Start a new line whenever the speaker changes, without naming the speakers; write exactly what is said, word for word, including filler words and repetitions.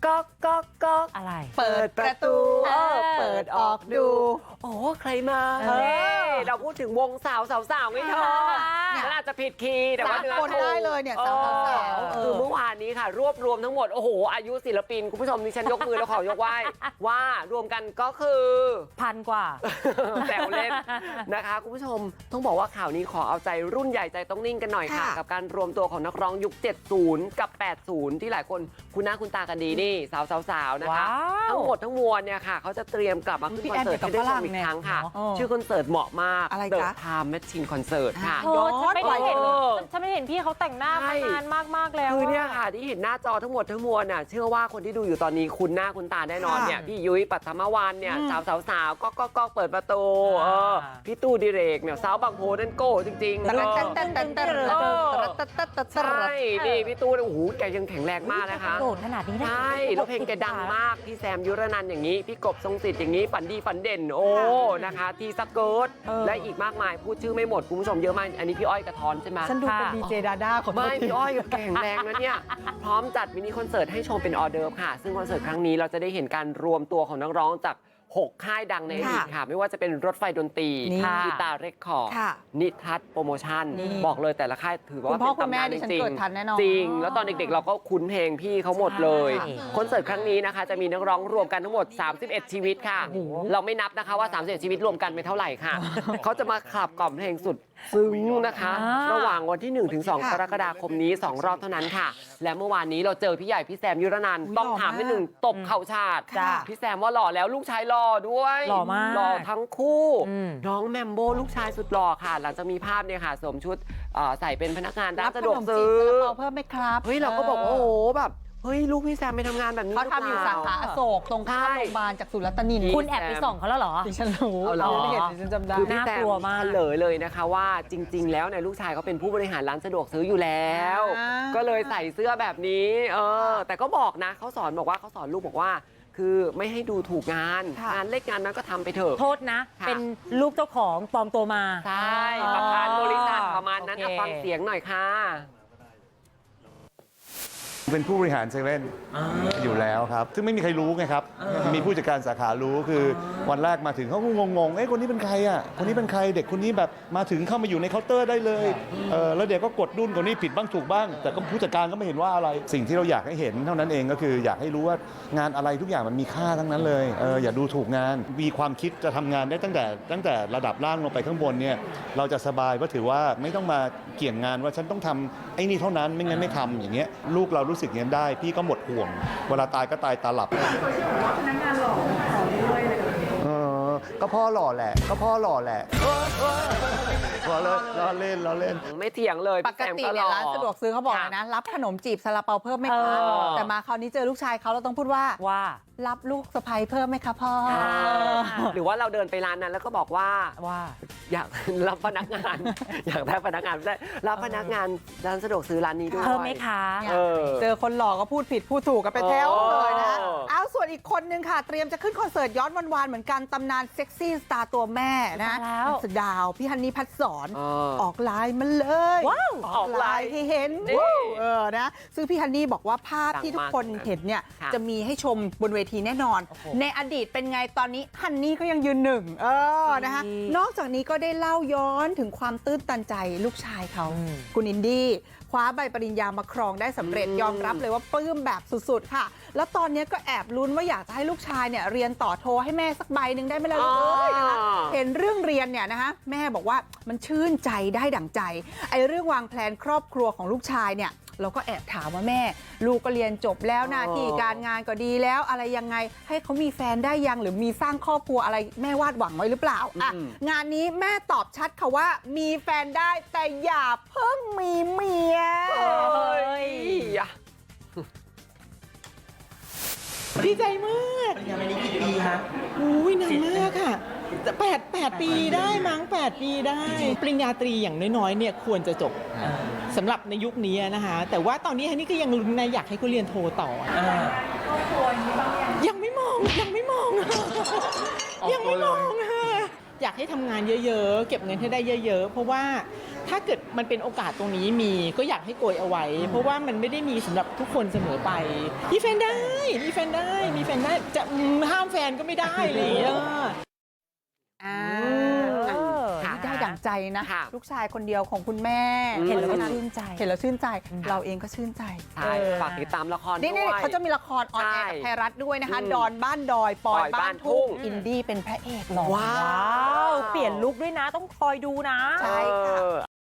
ก๊อกก๊อกก๊อก
อะไร
เปิดประตูเออเปิดออกดูโอ้ใครมา
เออ
เฮ้ยเราพูดถึงวงสาวสาวสาวไม่เธอ
เนี่ย
ฉันอาจจะผิดคีย์แต่ว่า
สาม
เนื้อ
คน
ถูก
ได้เลยเนี่ยสาวสาวสาวเอ
คือ
อ
เมื่อวานนี้ค่ะ รวบรวมทั้งหมดโอ้โหอายุศิลปินคุณผู้ชมดิฉันยกมือแล้วขอยกไหว้ว่ารวมกันก็คือ
พันกว่า
แซวเล่นนะคะคุณผู้ชมต้องบอกว่าข่าวนี้ขอเอาใจรุ่นใหญ่ใจต้องนิ่งกันหน่อยค่ะ
ค่ะ
กับการรวมตัวของนักร้องยุค เจ็ดสิบ กับ แปดสิบ ที่หลายคนคุ้นหน้าคุ้นตากันดีนี่สาวๆๆนะคะ
ว้าว
ทั้งหมดทั้งมวลเนี่ยค่ะเขาจะเตรียมกลับมาขึ้น
พี่
คอน
แอน
เสิร์ตให้ได้ชมอีกครั้งค่ะ
เออ
ชื่อคอนเสิร์ตเหมาะมาก
อะไร
The
จ๊ะ
Time Machine Concert ค่ะ
โอ้ฉันไม่ได้เห็น
เออ
ฉันไม่เห็นพี่เขาแต่งหน้า
ใช่
มานานมากๆแล้ว
คือเนี่ย
อะ
ค่ะที่เห็นหน้าจอทั้งหมดทั้งมวลน่ะเชื่อว่าคนที่ดูอยู่ตอนนี้คุ้นหน้าคุ้นตาแน่นอน
ค่ะ
เนี่ยพี่ยุ้ยปัทมวันเนี่ย
อืม
สาวสาวสาวก็ก็ก็เปิดประตู
อ่า
เออพี่ตู้ดิเรกเนี่ยสาวบางโพนั่นโก้จริงๆ
แต่
เอ
แต่
อ
แต่แต่แต่
เออ
แต่แต่แต่
ใช่นี่พี่ตู้เนี่ยโอ้โหแกยังแข็งแรงมากนะคะ
โดดขนาดนี้นะ
ใช่แล้วเพลงแกดังมากพี่แซมยุรนันท์อย่างนี้พี่กบทรงสิทธิ์อย่างนี้ฝันดีฝันเด่นโอ้นะคะทีสเกิร์ต
เออ
และอีกมากมายพูดชื่อไม่หมดคุณผู้ชมเยอะมากอันนี้พี่อ้อยกระท้อนใช่ไหม
ฉันดูเป็น
ค่ะ
ดีเจดาด้าของ
ไม่พี่อ้อยแข็งแรงนะเนี่ย พร้อมจัดมินิคอนเสิร์ตให้ชมเป็นออเดิร์ฟค่ะ ซึ่งคอนเสิร์ตครั้งนี้เราจะได้เห็นการรวมตัวของนักร้องจาก หก ค่ายดังในอดีตค่ะ ไม่ว่าจะเป็นรถไฟดนตรี
นี่
กีตาร์เรคคอร์ด
ค่ะ
นิทัศน์โปรโมชั่น
นี่
บอกเลยแต่ละค่ายถือว่า
คุณพ่อ
เป็น
คุณแม่
ตำนาน
ดิ
จ
ฉัน
ริง
เกิดทันแน่นอน
ๆจริง แล้วตอนเด็กๆ เราก็คุ้นเพลงพี่เขาหมดเลย
ใช่
คอนเสิร์ตครั้งนี้นะคะจะมีนักร้องรวมกันทั้งหมด สามสิบเอ็ด ชีวิตค่ะ เราไม่นับนะคะว่า สามสิบเอ็ด ชีวิตรวมกันเป็นเท่าไหร่ค่ะ เขาจะมาขับกล่อมเพลงสุดซึ้งนะคะ
อ่า
ระหว่างวันที่ หนึ่งถึงสอง
ค่ะ
กรกฎาคมนี้ สอง รอบเท่านั้นค่ะ และเมื่อวานนี้เราเจอพี่ใหญ่พี่แซมยุรนันท์
อุ๊ย
ต้องถามนิดหนึ่งตบเข่าชาติ
จ้ะ
พี่แซมว่าหล่อแล้วลูกชายหล่อด้วย
หล่อมาก
หล่อทั้งคู่
อืม
น้องแมมโบลูกชายสุดหล่อค่ะ หลังจากมีภาพเนี่ยค่ะสวมชุดเอ่อใส่เป็นพนักงานร้านสะดวกซื้อ
รับขนมจีบซาลาเปาเพิ่มไหมครับ
เฮ้ยเราก็บอกว่าโอ้โหแบบเฮ้ยลูกพี่แซมไปทำงานแบบนี้
เขาทำอยู่
หรื
สา
เป
ขา
ล่
อโศกตรงข้าม
ใช่
โรงพยาบาลจากสุรัตนิน
คุณแอบไปส่องเขาแล้วเหรอ
ดิฉันรู้
เอาเหรอ
ดิฉันเห็นดิฉันจำได้
คือพี่แซ
น่าม กลัวมาก
เฉลยเลยนะคะว่าจริง ๆ แล้วเนี่ยลูกชายเขาเป็นผู้บริหารร้านสะดวกซื้ออยู่แล้ว
อ่า
ก็เลยใส่เสื้อแบบนี้เออแต่ก็บอกนะเขาสอนบอกว่าเขาสอนลูกบอกว่า คือไม่ให้ดูถูกงาน
ค่ะ
งานเล็กงานนั้นก็ทำไปเถอะ
โทษนะ
ค่ะ
เป็นลูกเจ้าของปลอมตัวมา
ใช่
อ๋อ
ประธานบริษัทประมาณนั้น
โอเค
อ่ะฟังเสียงหน่อยค่ะ
เป็นผู้บริหารเซเว่นอยู่แล้วครับ ซึ่งไม่มีใครรู้ไงครับ มีผู้จัดการสาขารู้คือวันแรกมาถึงเขาก็งงๆ เอ้ยคนนี้เป็นใครอ่ะ คนนี้เป็นใครเด็กคนนี้แบบมาถึงเข้ามาอยู่ในเคาน์เตอร์ได้เลยเออแล้วเด็กก็กดดุนคนนี้ผิดบ้างถูกบ้าง แต่ก็ผู้จัดการก็ไม่เห็นว่าอะไร สิ่งที่เราอยากให้เห็นเท่านั้นเองก็คืออยากให้รู้ว่างานอะไรทุกอย่างมันมีค่าทั้งนั้นเลยเอออย่าดูถูกงาน มีความคิดจะทำงานได้ตั้งแต่ตั้งแต่ระดับล่างลงไปข้างบนเนี่ยเราจะสบายเพราะถือว่าไม่ต้องมาเกี่ยงงานว่าฉันต้องทำไอ้นี่เท่านั้นไม่งั้นไม่ทำอย่างเงี้ยลูกเรารู้สึกอย่างนั้นได้พี่ก็หมดห่วง เวลาตายก็ตายตาหลับเออก็พ่อหล่อแหละ ก็พ่อหล่อแหละล้อเล่นล้อเล่นล้อเล่น
ไม่เถียงเลย
ปกติเนี่ยร้านสะดวกซื้อเขาบอกเลยนะ รับขนมจีบซาลาเปาเพิ่มไหมคะ
เออ
แต่มาคราวนี้เจอลูกชายเขาเราต้องพูดว่า
ว่า
รับลูกสะใภ้เพิ่มไหมคะพ่อ
ค่ะ
หรือว่าเราเดินไปร้านนั้นแล้วก็บอกว่า
ว่า
อยากรับพนักงาน อยากได้พนักงานไม่ได้รับพนักงานร้านสะดวกซื้อร้านนี้ด้วย
เพิ่มไหมคะ
เออ
เจอคนหล่อก็พูดผิดพูดถูกกันไปแถวเลยนะ
โอ้
เอาส่วนอีกคนนึงค่ะ เตรียมจะขึ้นคอนเสิร์ตย้อนวันวานๆเหมือนกันตำนานเซ็กซี่สตาร์ตัวแม่นะ
มาแล้ว
นักแสดาวพี่ฮันนี่พัดสอน
เออ
ออกไลน์มาเลย
ว้าว
ออกไลน์ให้เห็น
นี่
ว้าวเออนะซึ่งพี่ฮันนี่บอกว่าภาพ
ดัง
ที่ทุก
มาก
คนเห็นเนี่ย
ค่ะ
จะมีให้ชมบนเวทีแน่นอน
โอ้โห
ในอดีตเป็นไงตอนนี้ฮันนี่ก็ยังยืนหนึ่งเออนะคะ
ดี
นอกจากนี้ก็ได้เล่าย้อนถึงความตื้นตันใจลูกชายเขา
อืม
คุณอินดี้คว้าใบปริญญามาครองได้สำเร็จ
อืม
ยอมรับเลยว่าปลื้มแบบสุดๆค่ะ แล้วตอนนี้ก็แอบลุ้นว่าอยากจะให้ลูกชายเนี่ยเรียนต่อโทให้แม่สักใบหนึ่งได้ไหมล่ะลูกเอ้ยนะคะเห็นเรื่องเรียนเนี่ยนะคะแม่บอกว่ามันชื่นใจได้ดั่งใจไอ้เรื่องวางแผนครอบครัวของลูกชายเนี่ยเราก็แอบถามว่าแม่ ลูกก็เรียนจบแล้วหน้าที่การงานก็ดีแล้วอะไรยังไงให้เขามีแฟนได้ยังหรือมีสร้างครอบครัวอะไรแม่วาดหวังไว้หรือเปล่าอ่ะ
อืม
งานนี้แม่ตอบชัดค่ะว่ามีแฟนได้แต่อย่าเพิ่งมีเมีย
เอ้ยอ่ะ
ดีใจมากปริญญาปีนี้กี่ปีคะอุ้ยนานมากค่ะแปดแปดปีได้มั้งแปดปีได้ ปริญญาตรีอย่างน้อยๆเนี่ยควรจะจบสำหรับในยุคนี้นะคะ แต่ว่าตอนนี้ฮันนี่ก็ยังลุ้นนะอยากให้เขาเรียนโทต่อยังไม่มองยังไม่มอง ยังไม่มองค่ะอยากให้ทำงานเยอะๆ เก็บเงินให้ได้เยอะๆ เพราะว่าถ้าเกิดมันเป็นโอกาสตรงนี้มีก็อยากให้โกยเอาไว้ เพราะว่ามันไม่ได้มีสำหรับทุกคนเสมอไปมีแฟนได้มีแฟนได้มีแฟนได้จะอืมห้ามแฟนก็ไม่ได้อะไรอย่างเงี้ย
อ่า
เออ
ค่ะ
ได้ดั่งใจนะ
ค่ะ
ลูกชายคนเดียวของคุณแม่
อืม
เห็นแล้วก็
ชื่
ชื่น
นใจ
เห็นแล้วชื่นใจ เราเองก็ชื่นใจ
ใช่ฝากติดตามละคร
นี่
ด้
นี่
วย
เขาจะมีละครออนแอร์กับ
ใช่
ไทยรัฐด้วยนะคะ
อืม
ดอนบ้านดอยปอย
ปอยบ้า
บ้าน น
ทุ่
ทุ่
ง
งอินดี้เป็นพระเอกหล่อ
ว้า
ว้าว ว เปลี่ยนลุคด้วยนะ ต้องคอยดูนะ
ใช่ค่ะ
เออ